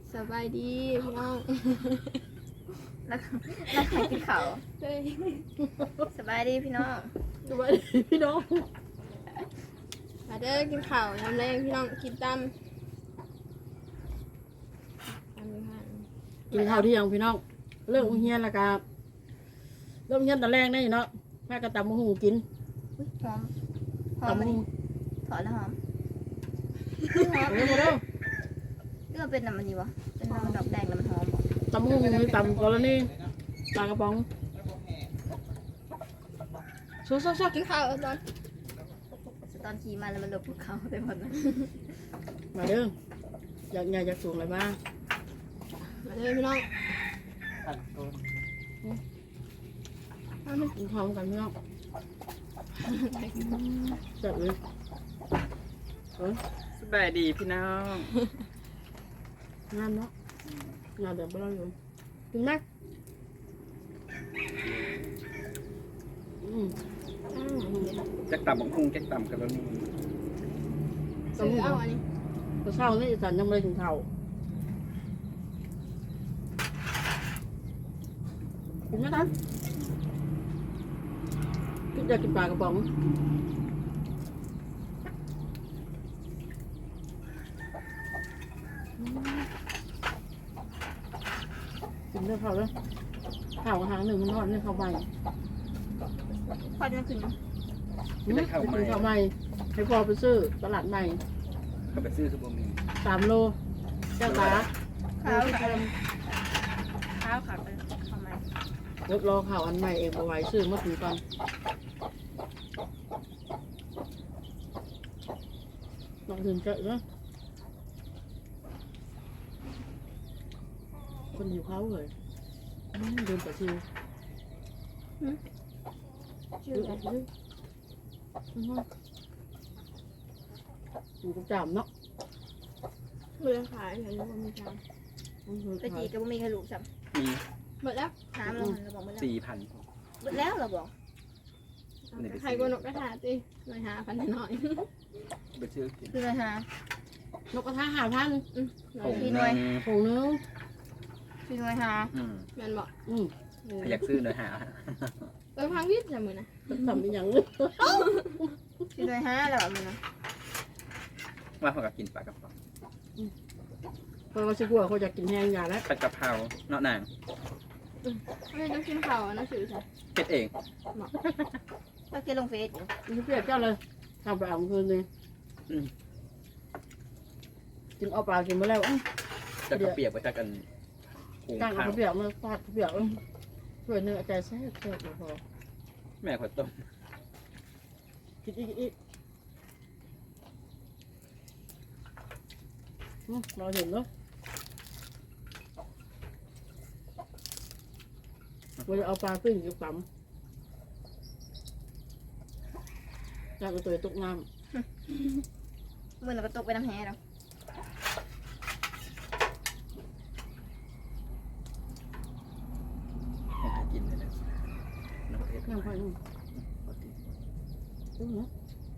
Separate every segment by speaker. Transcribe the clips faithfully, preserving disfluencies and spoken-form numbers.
Speaker 1: สบายดีพี่น้อง
Speaker 2: แล้วแล้วใครกินเขาว
Speaker 1: เฮ้ย
Speaker 2: สบายดีพี่น้อง
Speaker 1: สบายดีพี่น้องมาเด้อกินข้าวน้ำแรงพี่น้องกินตำตำอยู่ห่าง
Speaker 3: กินข้าวเที่ยงพี่น้องเรื่องเฮียนและกาเริ่มเฮียนตอนแรกได้เนาะแม่ก็ตำมะฮูกิน
Speaker 2: อุ๊ยหอมหอม
Speaker 3: ตำ
Speaker 2: ไหม
Speaker 3: มะฮู
Speaker 2: ถอนแล้วหอม
Speaker 3: เร็วเร็ว
Speaker 2: เรื่องเป็นน้ำมันดีวะเป็นน้ำดอกแดงแล้วมันหอมบ่
Speaker 3: ตำมะฮูนี่ตำกรณีปลากระป๋องซัวซัวซัว
Speaker 1: กินข้าวตอน
Speaker 2: ตอนขี่มาแล้วมันหลบภูเขาไปหมดเลย
Speaker 3: มาเด้ออยากอยากอยากสูงอะไรบ้าง
Speaker 1: มาเด้อพี่น้องเอาหนึ่ง
Speaker 3: กินข้าวกันพี่น้องจัดเลยเออ
Speaker 4: สบายดีพี่น้อง
Speaker 3: งานเนาะงานเดี๋ยวไปเราอยู่กินไหมอืม
Speaker 4: จักต่ำบังคุงจักต่ำกันแล้วนี่
Speaker 1: ซื้อเอาอันนี้
Speaker 3: พอเช้านี่อีสันยังไม่ได้ถึงเท่ากินไหมท่านกินอยากกินปลากระป๋องกินเรื่องเขาเลยข้าวหางหนึ่งมันทอดเนี่ยข้าวใหม่
Speaker 2: ควันมันขึ้น
Speaker 3: กินข้าวใหม่ให้พอไปซื้อตลาดใหม่
Speaker 4: ก็ไปซื้อคือบ่มี
Speaker 3: สามโลเจ้าตา
Speaker 2: ข้าวข้าวข้าวขาดไปทำไม
Speaker 3: รถรอข่าวอันใหม่เองเอาไว้ซื้อมาถึงก่อนลองถึงเจอเนาะคนหิวเขาเลยอืมเดินไปชิว
Speaker 2: ชื่อ
Speaker 3: เดิน
Speaker 2: อะ
Speaker 3: ไป
Speaker 2: ไร
Speaker 3: ชิวอยู่กับจามเนาะ
Speaker 1: เมื่อขายเห็นว่ามีจาน
Speaker 2: ไปจีกับบ่มีใครรู้ซ้
Speaker 4: มี
Speaker 1: หมดแล้ว
Speaker 2: ำถามเราเราบอกหมดแล้ว
Speaker 4: สี่พัน
Speaker 2: หมดแล้วเราบอก
Speaker 1: ใครกนกกระทาตีหน่อยหาพันหน่อย
Speaker 4: ไปซื้อกิน
Speaker 2: คืออะไรฮะ
Speaker 3: นกกระทาหาพัน
Speaker 1: หน่
Speaker 4: ผ
Speaker 1: อย
Speaker 4: ง
Speaker 2: พี่
Speaker 4: ห
Speaker 2: หน่
Speaker 4: นึ่
Speaker 2: วย
Speaker 4: ง
Speaker 3: ผงนึง
Speaker 2: คืออะไรฮะ
Speaker 4: อืม
Speaker 1: แมันบอก
Speaker 3: อืม
Speaker 4: อยากซื้อหน่อยหา
Speaker 1: เออพังวิทย์จะมือนะ
Speaker 3: ทำเป็นอย่างนี้
Speaker 2: คืออะไรฮะเราบอกมันนะ
Speaker 4: ว่าเขาก็กินปลากระป๋อง
Speaker 3: เพราะว่าชิกลัวเขาจะกินแห้งยาแล้ว
Speaker 4: ผัดกะเพราเนาะนาง
Speaker 1: ไม่ต้องกินข้าวนะสื่อใช่
Speaker 4: เฮ็ดเอง
Speaker 2: ก็เกลงเฟซอยู่
Speaker 3: นี่เปรียบเจ้าเลยทำไปเอาคืนนึงกินเอาปลากินมาแล้ว
Speaker 4: จะกระเปียกไปจากกันหุง
Speaker 3: ตั้งเอา
Speaker 4: ข้าว
Speaker 3: เปรียบมาฟาดเปรียบช่วยเนื้อใจแซ่บแซ่บพอ
Speaker 4: แม่ขอต้ม
Speaker 3: กินอีกอีกเราเห็นเนาะเราจะเอาปลาปิ้งกับปั๊มจากตัวตกน้
Speaker 2: มือเราก็ตกไปน้ำแห้เรา
Speaker 4: ให้หากินเลยนะน้ำเพชร
Speaker 3: ำน้ำไฟนู่นดูนะ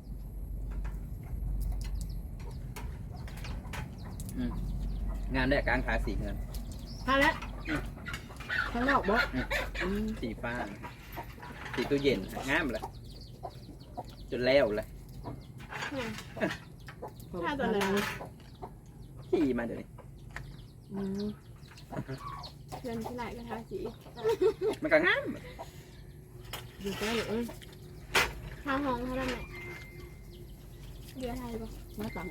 Speaker 4: งานได้กลางขาสีเงิน
Speaker 3: พาแล้วข้างนอกบ่
Speaker 4: สีฟ้าสีตู้เย็นงามเลยจนแล้วเลย
Speaker 1: ถ้าตัวไหน
Speaker 4: ขี่มาเดี๋ยวนี้
Speaker 1: เงินที่ไหนกระทาสี
Speaker 4: มันก็งาม
Speaker 3: อยู่ใกล้เลยเอ้ย
Speaker 1: ข้าวห้องเขาได้ไหมเรือไทยปะ
Speaker 3: มาตัง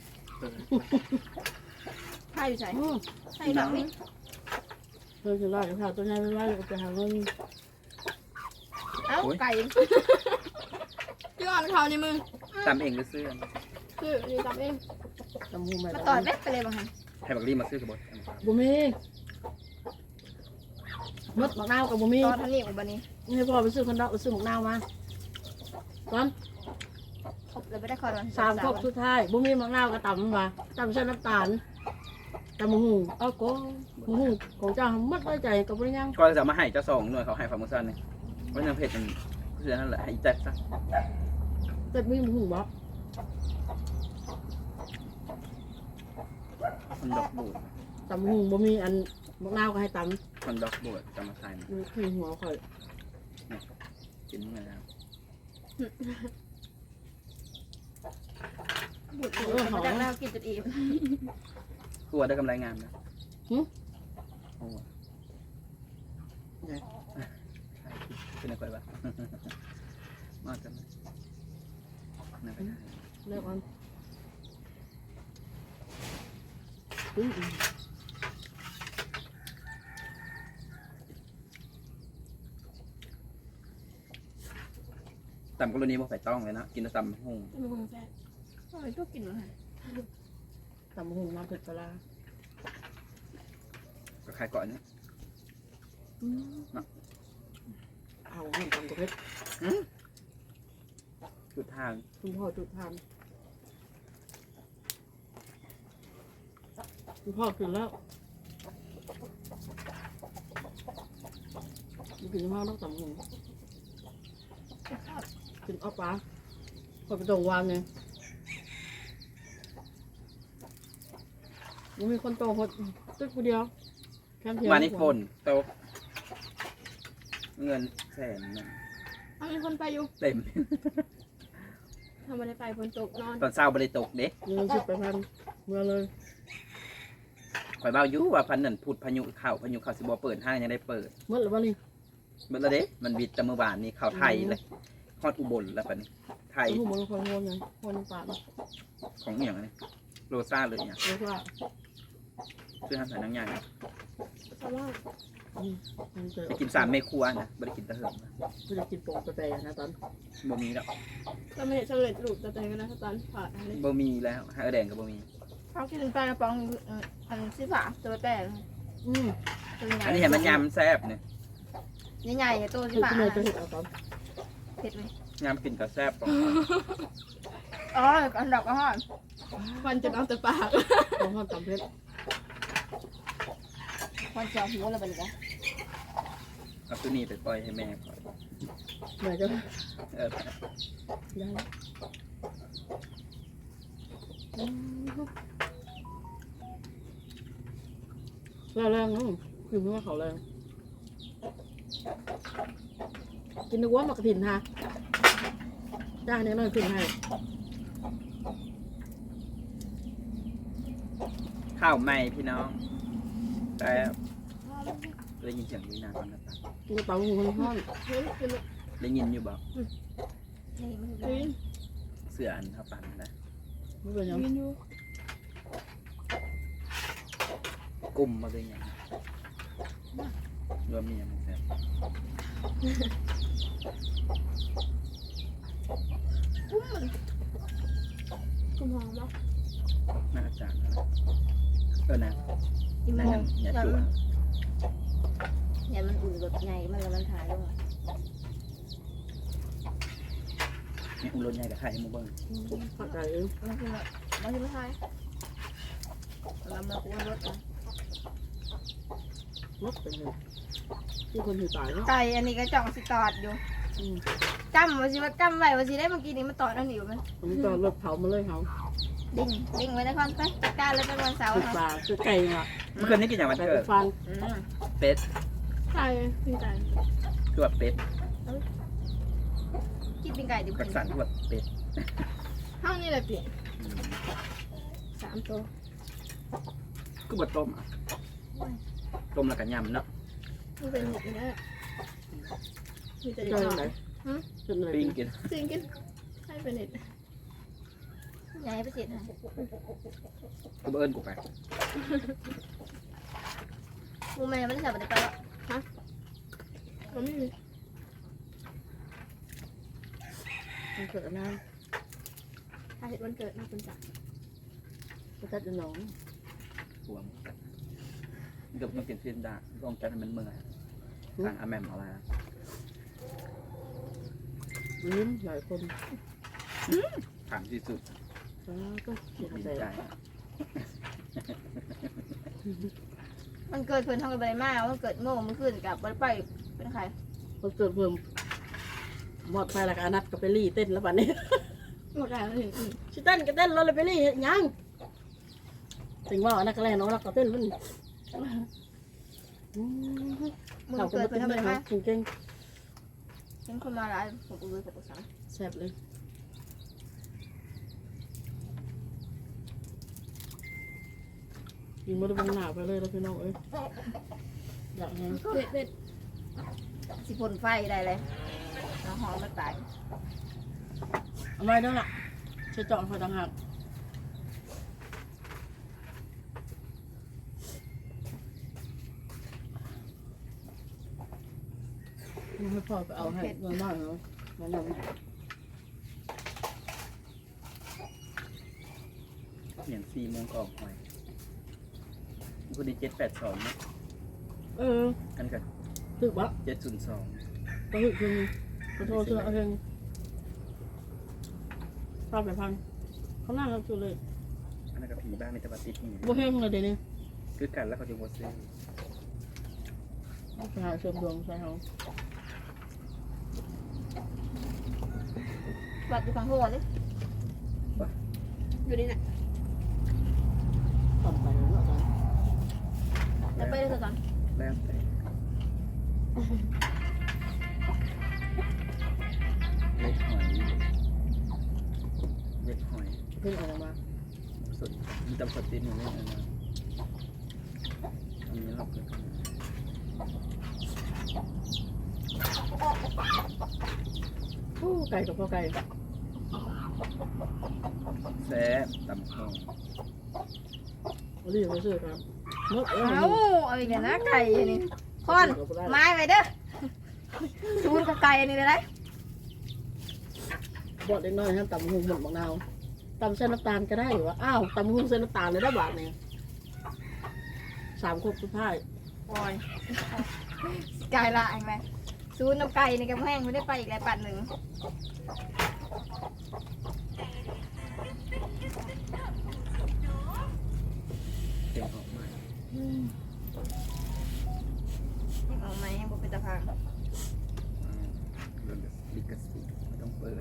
Speaker 2: ไข่อยู่ใส่
Speaker 3: อืม
Speaker 2: ไข่ดอกนี่
Speaker 3: เธอจะไล่ค่ะตัวนี้ไม่ไล่จะหาเงิน
Speaker 2: เอ้าไก่
Speaker 1: ย้อนเขาในมือ
Speaker 4: ตำเองหรือซื้อ
Speaker 1: คืออยู่กับเอง
Speaker 3: จำหูไหม
Speaker 2: มาต่อยแม็กไปเลยบางที
Speaker 4: ให้บักรีมาซื้อกับบด
Speaker 3: บุมีมดหมักนาวกับบุมี
Speaker 2: ตอนท่านี่ของบันนี้
Speaker 3: ให้พ่อไปซื้อคนดอกไปซื้อหมักนาวมาตอน
Speaker 2: ครบเลยไม่ได้คอร์ด
Speaker 3: สามครบสุดท้ายบุมีหมักนาวกับตำมาตำเส้นน้ำตาลตำมะฮูเอาโก้มะฮูของเจ้ามัดไว้ใจกับบริยัง
Speaker 4: ก็จะมาให้เจ้าสองหน่วยเขาให้ฟาร์มซันนี่เพราะน้ำเพชรมันเพื่อนั่นแหละให้แจ็คซะ
Speaker 3: เต็มมีมะฮูบ่
Speaker 4: มันดอกบูด
Speaker 3: ตำหูบ่มีอันมะนาวก็ให้ต
Speaker 4: คอนดอกบวชจะมาใส่
Speaker 3: ำดูขี้หัวข่อย
Speaker 4: กินเมื่อแล้ว
Speaker 2: บุตรมาจากแล้วกินจนอิ่ม
Speaker 4: กลัวได้กำไรงามนะ
Speaker 3: หึ
Speaker 4: โอ้
Speaker 3: ไง
Speaker 4: เป็นอะไรบ้างมาจังนั่นไปได้
Speaker 3: เลิกมันอืม
Speaker 4: ตำกรณีบ่ไปต้องเลยนะกินแต่ตำหุ่ง
Speaker 1: จะมาคงแซ่บ
Speaker 2: ทำไมชอบกินอะไร
Speaker 3: ตำหูน้ำเผ็ดปลาร้า
Speaker 4: ก็คล้ายก่อนเนี่ย
Speaker 3: เอาหุ่นตำกระเพชร
Speaker 4: จุดทาง
Speaker 3: คุณพ่อจุดทานคุณพ่อกินแล้วไม่กินมากต้องตำหูกินอ้อปลาพอไปตรงวานเนี่ยยังมีคนโตหดตึกคนเดียวแค่เพียง
Speaker 4: มานี่ฝนตกเงินแสนหนึ่ง
Speaker 1: เอามีคนไปอยู่
Speaker 4: เต็ม
Speaker 1: ทำอะไรไปฝนตกนอน
Speaker 4: ตอนเช้าบ่ได้ตกเด้
Speaker 3: เงินสิบไปพันเมื่อเลย
Speaker 4: ข่อยเบาอยู่ว่าพันนั่นพูดพายุเข้าพายุเข้าสิบ่เปิดห้างยังได้เปิด
Speaker 3: เมื่อหรือว่านี่
Speaker 4: เบิดแล้วเด้มันบิดแต่เมื่อวานนี้เข้าไทยเลยฮอดอุบลแล้วปะนี่ไทย
Speaker 3: หูมันคนงงไงคนน้ำปลา
Speaker 4: ของเหี่ยงอันนี้โรซ่าเลยเนี่ย
Speaker 3: เรียกว่า
Speaker 4: ซื้อทำสายนังใหญ่
Speaker 1: เพราะว่า
Speaker 3: มันเจอ
Speaker 4: ไปกินสามเมครัวนะบ่ได้กินแตะเหิมนะ
Speaker 3: ไม่ได้กินโป่งกาแฟนะตอน
Speaker 4: บ่มีแล้ว
Speaker 1: สำเร็จสำเร็จรูปแต่แต่กันนะตอนผ่านอะไร
Speaker 4: บ่มีแล้วฮะแดงก็บ่มี
Speaker 2: เขากินปลากระป๋องอันสิฝาตัวแป้ง
Speaker 3: อืม
Speaker 2: ตัวใหญ่
Speaker 4: อันนี้เห็นมันยำแซ่บเนี่ย
Speaker 2: ใหญ่ๆตัวสิ
Speaker 3: คือ
Speaker 2: ฝา
Speaker 3: ที่เลยจะเห็นเอาตอน
Speaker 2: เผ็ดไหม
Speaker 4: ยำกินกับแซ่บปอง
Speaker 2: อ๋ออันดอกก็หอม
Speaker 1: ฟันจะเอาแต่ปาก
Speaker 3: ของห้องตำเพชร
Speaker 2: คนเจียวหัวอะไรแบบนี้
Speaker 4: เอาตัวนี้ไปปล่อยให้แม่ก่อน
Speaker 3: เหนื่อยจะ
Speaker 4: เออ
Speaker 3: ได้แรงๆนะคือไม่ว่าเขาแรงกินนึกว่ามากระถินฮะจ้าเนี่ยน้อยขึ้นให้
Speaker 4: ข้าวใหม่พี่น้องแต่ได้ยินเสียงวินาก่อนนะจ๊ะ
Speaker 3: กินกระเป๋าหูคนห้อง
Speaker 1: เฮ้ยคือ
Speaker 4: ได้ยินอยู่บ่
Speaker 2: นี่มัน
Speaker 1: ยืน
Speaker 4: เสืออันเท่าปันนะ
Speaker 3: ไม่เป็นยัง
Speaker 1: ยืนอยู่
Speaker 4: กลุ่มมาเป็นอย่างรวมมีอย่างแซ่บ
Speaker 1: กุมหอมเนาะ
Speaker 4: น่าจะนะเออนะ
Speaker 2: กินมั
Speaker 4: นั่
Speaker 2: น
Speaker 4: นยังอย่าจั่ว
Speaker 2: เนี่ยมันอุ่นแบบใหญ่มันแล้วมันถ่ายลง
Speaker 4: นี่อุ้มรถใหญ่กับไข่ให้หมูเบิ้ง
Speaker 3: เข้าใจเอง
Speaker 2: มันคือมันคือไม่ถ่ายเรามาคุ้มรถ
Speaker 3: ลบไปเลยที่คนถือตายเนาะ
Speaker 2: ไก่อันนี้ก็จ่องสิตอดอยู่
Speaker 3: อืม
Speaker 2: จำว่าสิว่าจำไว้ว่าสิได้เมื่อกี้นี้มันตอดเอาหนิวมัน
Speaker 3: ผมจอดรถเผามาเลยเขา
Speaker 2: ดิ่งดิ่งไว้ในคอนไปจัดการเลยเป็นวันเสาร์
Speaker 3: คือ
Speaker 2: ค่ะ
Speaker 3: ปลาคือไก่อ่ะ
Speaker 4: เมื่อคืนนี้กินอย่างวัน
Speaker 3: ไก่
Speaker 4: เกิ
Speaker 3: เป็
Speaker 4: ด
Speaker 3: นฟัง
Speaker 2: อืม
Speaker 4: เป็ด
Speaker 1: ใช่พี่ใจ
Speaker 4: คือแบบเป็ด
Speaker 2: กินเป็นไก่ดิบ
Speaker 4: กักสันคือแบบเป็ด
Speaker 1: ห้างนี่แหละเปลี่ยน
Speaker 4: อืม
Speaker 1: สามตัว
Speaker 4: คือบดต้มอ่ะต้มแล้วกันยำเนาะ
Speaker 1: มันเป็นอย่างนี้มีแต่
Speaker 3: จอย
Speaker 1: เด็ก
Speaker 3: ไหนเป็นอะไร
Speaker 4: ปิ้งกิน
Speaker 1: จริงกินให้เป็นเด็ด
Speaker 2: ใหญ่ไปเสร็จนะ
Speaker 4: กูเอิญกูไป
Speaker 2: มูแม่ไม่ได้จับไปแล้ว
Speaker 1: มันไม่มี
Speaker 3: มันเกิดน้
Speaker 1: ถ้าเห็นวันเกิดมาเป็นจ่า
Speaker 3: ำกระจัดจะหนอง
Speaker 4: รวมเกือบต้องกินฟินดาลองจัดให้มันเมื่อยทางอาแมมเอาอะไรนะ
Speaker 3: ลิ้นหลายคน
Speaker 4: ถามที่สุด
Speaker 3: ก็เสีย
Speaker 4: ดี
Speaker 3: ใจ
Speaker 4: ใจ
Speaker 2: มันเกิดเพื่อนทำกันไปมากมันเกิดโง่มันขึ้นกับไปเป็นใคร
Speaker 3: มันเกิดเพิ่มหมดไปละกันนัดกับไปรี่เต้นแล้วบัดนี้
Speaker 1: หมดแล้วเลย
Speaker 3: ชิเต้นก็เต้นเราเลยไปรี่ยังถึงว่าอันนั้นก็แรงน้องรักก็เต้นมัน
Speaker 2: มึง
Speaker 3: เราก็
Speaker 2: เกิด
Speaker 3: ไม่
Speaker 2: เพิ่
Speaker 3: เป็น
Speaker 2: นทำ
Speaker 3: ไร
Speaker 2: อะไร
Speaker 3: ครั
Speaker 2: มา
Speaker 3: บเก่ง
Speaker 2: เห็นคนมาหลายผมก็เลยกับกูสั่ง
Speaker 3: ๆแซ่บเลยกินมาดูบังหนาไปเลยแล้วพี่น้องเอ้ยอยากไง
Speaker 1: เด็ดเด็ด
Speaker 2: สิพ่นไฟได้เลยน้ำหอมมันตาย
Speaker 3: เอาไว้ด้วยล่ะใช้เจาะไฟต่างหากมันให้พ่อไปเอาให้เงินมากเนาะแนะนำ
Speaker 4: อย่างสี่โมงก็ออกหอยพอดีเจ็ดแปดสองนะ
Speaker 3: เออ
Speaker 4: กันกับ
Speaker 3: ถึกบะ
Speaker 4: เจ็ดศูนย์สอง
Speaker 3: ก็ถึกเพียงขอโทษเชื่อเอาเพียงรอบไปพังเขาหน้าเราสุดเลย
Speaker 4: อันนั้นกับผีบ้านมีแต่ว่าติดนี่
Speaker 3: บ่เฮงเลยเดี๋ยวนี้
Speaker 4: คือกันแล้วเขาจะวอซื้อ
Speaker 3: ไปหาเสริมดวงใส่เขา
Speaker 2: วัดอยู่ฝั่งหัวเลย
Speaker 1: อยู่นี่น่ะ
Speaker 3: ต่ำไปแล้วเนาะตอน
Speaker 2: แล้วไปเลยก่อน
Speaker 4: แล้วแต่เล็กหอยเล็กหอย
Speaker 3: เพิ่งเออกมา
Speaker 4: สดมีตำสดติดอยู่นี่นะอันนี้เราเกิดขึ้น
Speaker 3: โอ้ไก่กับพ่อไก่
Speaker 4: แซ่บตำข้าว
Speaker 3: เอาดิไปซื้อครับนกเอ้ย
Speaker 2: เอาเอาอีกแล้วนะไก่อันนี้คอนไม้ไปเด้อชูนกับไก่อันนี้เลยได้
Speaker 3: บดเล็กน้อยฮะตำหุงหมดมะนาวตำเส้นน้ำตาลก็ได้อยู่วะอ้าวตำหุงเส้นน้ำตาลเลยได้บาทเนี่ยสามครบสุดท้าย
Speaker 2: โอ้ยไก่ละเองไหมชูนกับไก่ในกำแพงไม่ได้ไปอีกแล้วปัดหนึ่ง
Speaker 4: เต็มออกมา
Speaker 2: ยังเอาไหมยังบอกเป็นตะพัง
Speaker 4: อ่าเรื่องลิขสิทธิ์ไม่ต้องเปิด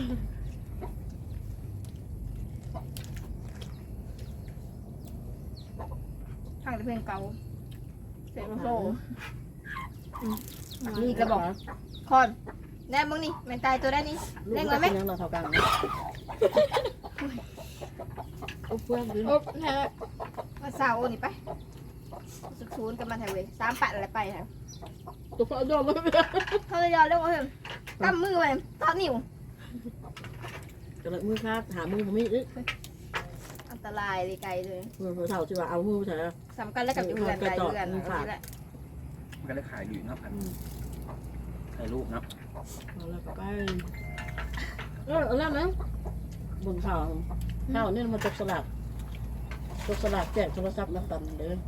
Speaker 2: พังแต่เพื่อนเก่าเสร็จแล้วโซ่
Speaker 3: นี่กระบอก
Speaker 2: คอนแน่มึงนี่แมนตายตัวได้นี่
Speaker 3: ลูก
Speaker 2: เล่น
Speaker 3: ก็
Speaker 2: ไว้ไหม
Speaker 3: เป็นยังเราเท่ากันโอ้เพื่อนดิ
Speaker 1: โอ๊บแท้
Speaker 2: มาสาวโอนี่ไปสุดชูนกับมันไทยเว้ยสามปัดอะไรไปครับ
Speaker 3: ตัวพ่อโดนไม่เป็น
Speaker 2: เขาเลยยอมเรียกว่าเฮ้ยกำมือไปทอดนิ้ว
Speaker 3: กระเลยมือคาดหามือผมมีอีก
Speaker 2: อันตรายเลยไกลเลย
Speaker 3: มือเท่าที่ว่าเอามือใส่
Speaker 2: สำคัญแล้วกับอยู่เรือนไกลเรือนเอาสิแหละ
Speaker 4: มันก็เลยขายอยู่เนาะอันถ่ายรูปเนาะ
Speaker 3: เอาแล้วก็ไปเออแล้วนะบนข่าวข่าวนี่มันตกสลักตกสลักแจกโทรศัพท์นักตันเด้อ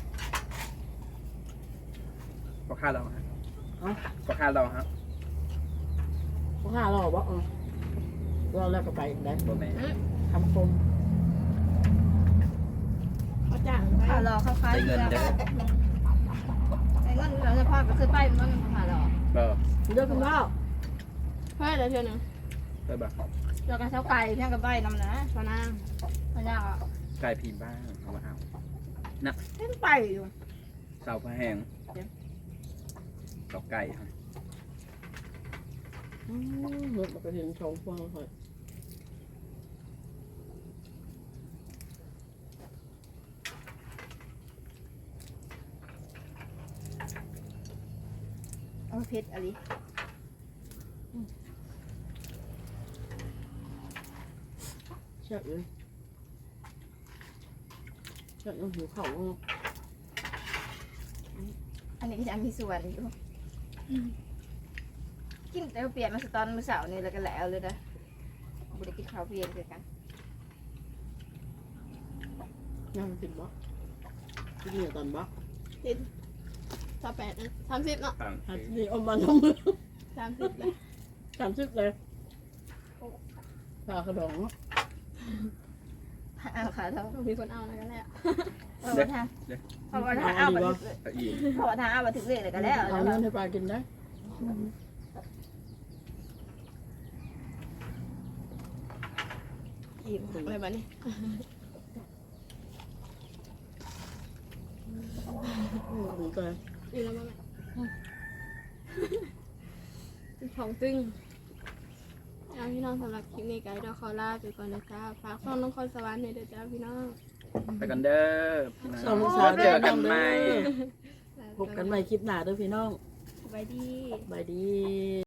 Speaker 4: ก็ค่าเราฮะ
Speaker 3: เอ้า
Speaker 4: ก็ค่าเราฮะ
Speaker 3: พวกข้าเราบอกเออเราแล้วก็ไปได้
Speaker 4: บ่แม่
Speaker 3: ทำคม
Speaker 1: เขาจ้าง
Speaker 2: ผ่ารอเข้าค้าย
Speaker 4: ได้เงินเด้อ
Speaker 2: ไอ้เงินเราจะพาก็คือไปมันผ่ารอ
Speaker 4: เบอร์
Speaker 3: เด้อคุณพ่อ
Speaker 1: เพื่ออะไรเท่านึง
Speaker 4: เบอร์บ่
Speaker 2: เราก็เช้าไก่เพียงกับใบนำนะ
Speaker 1: ตอนนั้น
Speaker 2: มันยากอ่ะ
Speaker 4: กลายพีบ้างเอามาเอา
Speaker 2: เล่นไปอยู่
Speaker 4: เสาพระแหงดอกไก่ครับ
Speaker 3: อืมเมื่อมาไปเห็นชองฟังเลย
Speaker 2: เอาเพชรอะไร
Speaker 3: ใช่เลยใช่ยังหิวเข่าอ่ะ
Speaker 2: อันนี้ก็จะมีส่วนอยู่กินแต่เปลี่ยนมาสตอนมื้อเสาร์นี่แล้วก็แล้วเลยนะบุได้กินข้าวเปลี่ยนคือกัน
Speaker 3: ยังติดบ่ที่นี่ตอนบ่
Speaker 1: ติดสามแปดนะสามสิบเนาะ
Speaker 4: ต่าง
Speaker 3: หัด
Speaker 4: คือ
Speaker 3: นี่อมมันลงมือ
Speaker 1: สามสิบเลย
Speaker 3: สามสิบเลยปลากระดอง
Speaker 2: เอาขาเท่า
Speaker 1: ต้องมีคนเอาแล้วกันแหละ
Speaker 2: เอาไปทางเอาไปทางเอาไปถึง
Speaker 4: ตะอี
Speaker 2: เอาไปทางเอาไปถึงเรื่อยเลยก็แล้ว
Speaker 3: เอาเงินให้ปลากินได้
Speaker 1: อิ่มอะไรแบบนี้
Speaker 3: อืมถึงก่อน
Speaker 1: อยู่แล้วมั้งของตึงเอาพี่น้องสำหรับคลิปนี้ไกด์เราขอลาไปก่อนนะจ้าฝากช่องน้องคอนสวรรค์เนี่ยเด้อจ้าพี่น้อง
Speaker 4: ไปกันเด้อพี่น้
Speaker 3: สอง
Speaker 4: อง
Speaker 3: สาว
Speaker 4: เจอกันใหม่
Speaker 3: พบกันใหม่คลิปหน้าเด้อพี่น้อง
Speaker 1: สบายดี
Speaker 3: บายดี